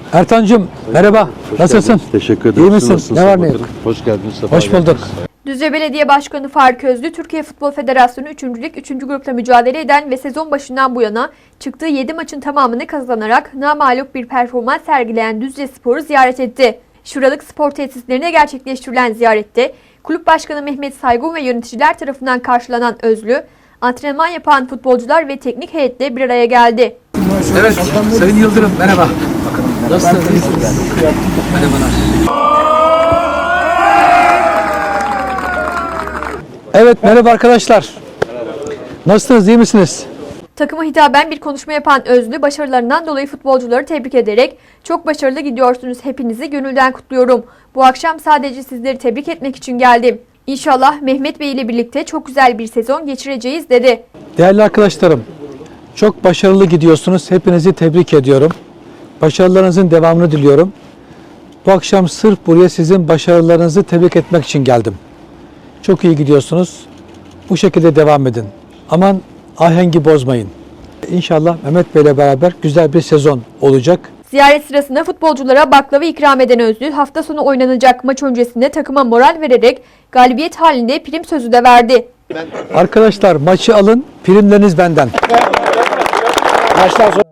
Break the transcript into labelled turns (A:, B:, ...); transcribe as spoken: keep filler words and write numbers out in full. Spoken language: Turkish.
A: Ertan'cığım merhaba.
B: Hoş
A: Nasılsın?
B: geldiniz. Teşekkür ederim.
A: İyi misin?
B: Nasılsın?
A: Ne var ne yok?
B: Hoş geldiniz. Sefa
A: Hoş bulduk.
B: geldiniz.
C: Düzce Belediye Başkanı Faruk Özlü, Türkiye Futbol Federasyonu üçüncü Lig üçüncü grupla mücadele eden ve sezon başından bu yana çıktığı yedi maçın tamamını kazanarak namağlup bir performans sergileyen Düzce Spor'u ziyaret etti. Şuralık spor tesislerine gerçekleştirilen ziyarette Kulüp Başkanı Mehmet Saygun ve yöneticiler tarafından karşılanan Özlü, antrenman yapan futbolcular ve teknik heyetle bir araya geldi.
A: Evet, Sayın Yıldırım merhaba. Nasılsınız? İyisiniz? Merhabalar. Evet, merhaba arkadaşlar. Nasılsınız, iyi misiniz?
C: Takıma hitaben bir konuşma yapan Özlü, başarılarından dolayı futbolcuları tebrik ederek "Çok başarılı gidiyorsunuz, hepinizi gönülden kutluyorum. Bu akşam sadece sizleri tebrik etmek için geldim. İnşallah Mehmet Bey ile birlikte çok güzel bir sezon geçireceğiz" dedi.
A: Değerli arkadaşlarım, çok başarılı gidiyorsunuz. Hepinizi tebrik ediyorum. Başarılarınızın devamını diliyorum. Bu akşam sırf buraya sizin başarılarınızı tebrik etmek için geldim. Çok iyi gidiyorsunuz. Bu şekilde devam edin. Aman ahengi bozmayın. İnşallah Mehmet Bey ile beraber güzel bir sezon olacak.
C: Ziyaret sırasında futbolculara baklava ikram eden Özlü, hafta sonu oynanacak maç öncesinde takıma moral vererek galibiyet halinde prim sözü de verdi.
A: Arkadaşlar maçı alın, primleriniz benden.
D: Maçtan sonra